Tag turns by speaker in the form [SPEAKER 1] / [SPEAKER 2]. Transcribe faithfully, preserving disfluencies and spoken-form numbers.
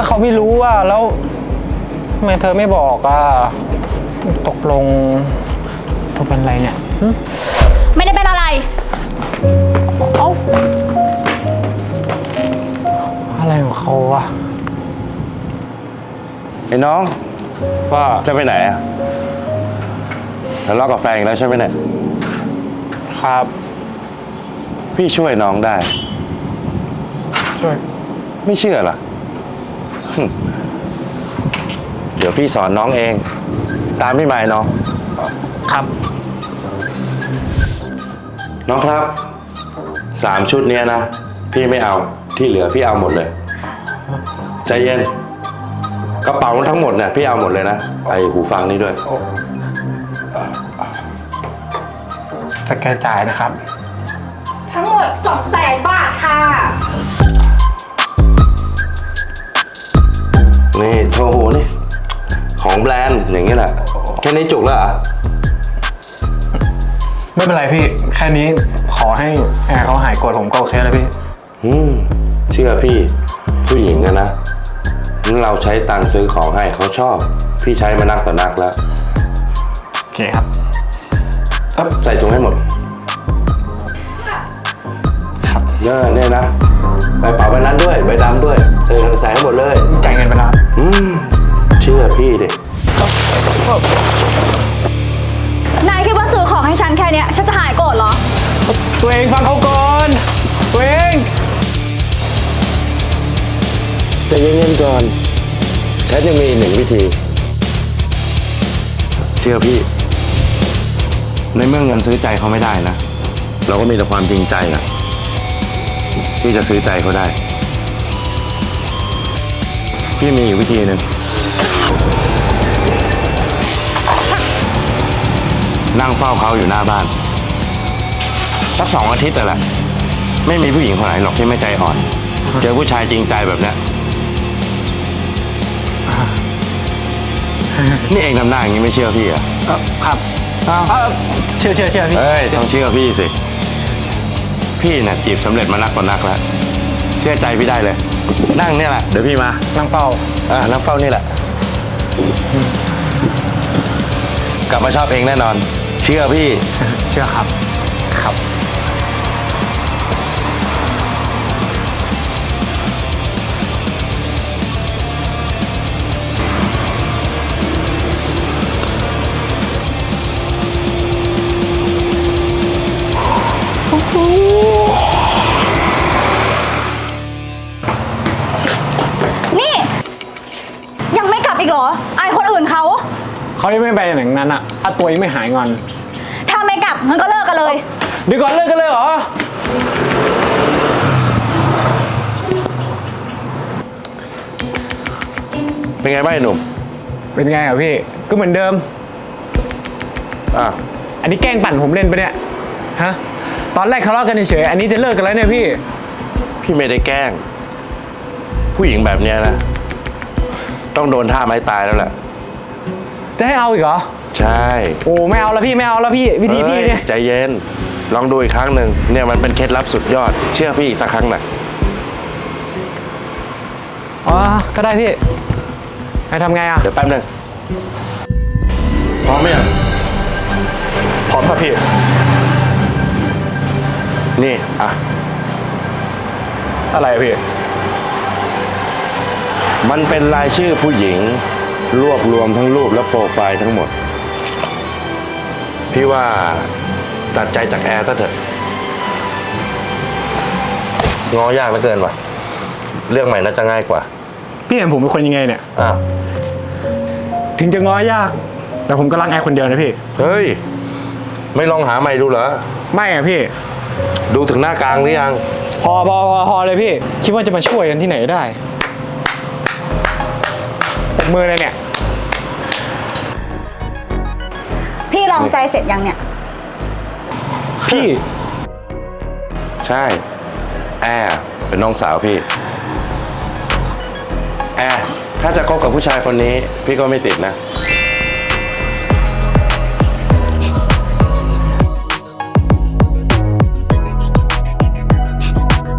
[SPEAKER 1] เขาไม่รู้อ่ะแล้วทำไมเธอไม่บอกอ่ะตกลงเธอเป็นอะไรเนี่ย
[SPEAKER 2] ไม่ได้เป็นอะไรเอ้า
[SPEAKER 1] อะไรของเขาวะ
[SPEAKER 3] ไอ้น้องว่าจะไปไหนอะทะเลาะกับแฟนอีกแล้วใช่ไหมเนี่ย
[SPEAKER 1] ครับ
[SPEAKER 3] พี่ช่วยน้องได้
[SPEAKER 1] ช่วย
[SPEAKER 3] ไม่เชื่อเหรอเดี๋ยวพี่สอนน้องเองตามพี่หมายน้อง
[SPEAKER 1] ครับ
[SPEAKER 3] น้องครับสามชุดเนี้ยนะพี่ไม่เอาที่เหลือพี่เอาหมดเลยใจเย็นกระเป๋าทั้งหมดเนี่ยพี่เอาหมดเลยนะไอหูฟังนี่ด้วย
[SPEAKER 1] จะแกจ่ายนะครับ
[SPEAKER 2] ทั้งหมดสองแสนบาทค่ะ
[SPEAKER 3] นี่โชว์หูนี่ของแบรนด์อย่างนี้แหละแค่นี้จุกแล้วเหรอ
[SPEAKER 1] ไม่เป็นไรพี่แค่นี้ขอให้แอร์เขาหายโกรธผมก็โอเคแล้วพี่
[SPEAKER 3] อืมเชื่อพี่ผู้หญิงนะนะเราใช้ตังค์ซื้อของให้เขาชอบพี่ใช้มานักต่อนักแล้ว
[SPEAKER 1] โอเคครับ
[SPEAKER 3] ใส่ถุงให้หมด
[SPEAKER 1] ครับ
[SPEAKER 3] เนี่ยเนี่ยนะใบเป๋าใบนั้นด้วยใบดำด้วยใส่ใส่ให้หมดเลย
[SPEAKER 1] จ่ายเงินไปแล้ว
[SPEAKER 3] อืมเชื่อพี่ดิ
[SPEAKER 2] นายคิดว่าซื้อของให้ฉันแค่นี้ฉันจะหายโกรธเหรอ
[SPEAKER 1] ตัวเองฟังเขาก่อนตัวเอง
[SPEAKER 3] ใจเย็นๆก่อนแค่ยังมีหนึ่งวิธีเชื่อพี่ในเมื่อเงินซื้อใจเขาไม่ได้นะเราก็มีแต่ความจริงใจนะที่จะซื้อใจเขาได้พี่มีอยู่วิธีหนึ่งนั่งเฝ้าเขาอยู่หน้าบ้านสักสองอาทิตย์แต่ละไม่มีผู้หญิงคนไหนหรอกที่ไม่ใจอ่อนเจอผู้ชายจริงใจแบบนี้นี่เองทำหน้าอย่างนี้ไม่เชื่อพี่อ่ะ
[SPEAKER 1] ครับเชื่อเชื่อเชื่อพี่
[SPEAKER 3] เฮ้ยต้องเชื่อพี่สิพี่เนี่ยจีบสำเร็จมานักต่อนักแล้วเชื่อใจพี่ได้เลยนั่งเนี่ยแหละเดี๋ยวพี่มา
[SPEAKER 1] นั่งเฝ้า
[SPEAKER 3] อ่านั่งเฝ้านี่แหละกลับมาชอบเองแน่นอนเชื่อพี่
[SPEAKER 1] เชื่อครับครับ
[SPEAKER 2] นี่ยังไม่กลับอีกเหรออายคนอื่นเขา
[SPEAKER 1] เขายังไม่ไปอย่างนั้นอ่ะถ้าตัวยังไม่หายงอน
[SPEAKER 2] ถ้าไม่กลับงั้นก็เลิกกันเลย
[SPEAKER 1] เดี๋ยวก่อนเลิกกันเลยเหรอ
[SPEAKER 3] เป็นไงบ้างหนุ่ม
[SPEAKER 1] เป็นไงอ่ะพี่ก็เหมือนเดิม
[SPEAKER 3] อ่ะ
[SPEAKER 1] อันนี้แกล้งปั่นผมเล่นไปเนี่ยฮะตอนแรกทะเลาะกันเฉยอันนี้จะเลิกกันแล้วเนี่ยพี่
[SPEAKER 3] พี่ไม่ได้แกล้งผู้หญิงแบบเนี้ยนะต้องโดนท่าไม้ตายแล้วแหละ
[SPEAKER 1] จะให้เอาอีกเหรอ
[SPEAKER 3] ใช่
[SPEAKER 1] โอ้ไม่เอาแล้วพี่ไม่เอาแล้วพี่วิธีพี่เนี่ย
[SPEAKER 3] ใจเย็นลองดูอีกครั้งหนึ่งเนี่ยมันเป็นเคล็ดลับสุดยอดเชื่อพี่อีกสักครั้งหน่อย
[SPEAKER 1] อ๋อก็ได้พี่ให้ทำไงอ่ะ
[SPEAKER 3] เดี๋ยวแป๊บนึงพร้อมไหมอ่ะ
[SPEAKER 1] พร้อมครับพี่
[SPEAKER 3] นี่อ่ะ
[SPEAKER 1] อะไรพี่
[SPEAKER 3] มันเป็นรายชื่อผู้หญิงรวบรวมทั้งรูปและโปรไฟล์ทั้งหมดพี่ว่าตัดใจจากแอร์ซะเถอะงอยากเหลือเกินว่ะเรื่องใหม่น่าจะง่ายกว่า
[SPEAKER 1] พี่เห็นผมเป็นคนยังไงเนี่ย
[SPEAKER 3] อ้าว
[SPEAKER 1] ถึงจะง้อยากแต่ผมก็รักแอร์คนเดียวนะพี่
[SPEAKER 3] เฮ้ยไม่ลองหาใหม่ดูเหรอ
[SPEAKER 1] ไม่อะพี่
[SPEAKER 3] ดูถึงหน้ากลางหรือยัง
[SPEAKER 1] พอพอพอพอเลยพี่คิดว่าจะมาช่วยกันที่ไหนได้ปกมือเลยเนี่ย
[SPEAKER 2] พี่ลองใจเสร็จยังเนี่ย
[SPEAKER 1] พี่
[SPEAKER 3] ใช่แอร์เป็นน้องสาวพี่แอร์ถ้าจะคบกับผู้ชายคนนี้พี่ก็ไม่ติดนะ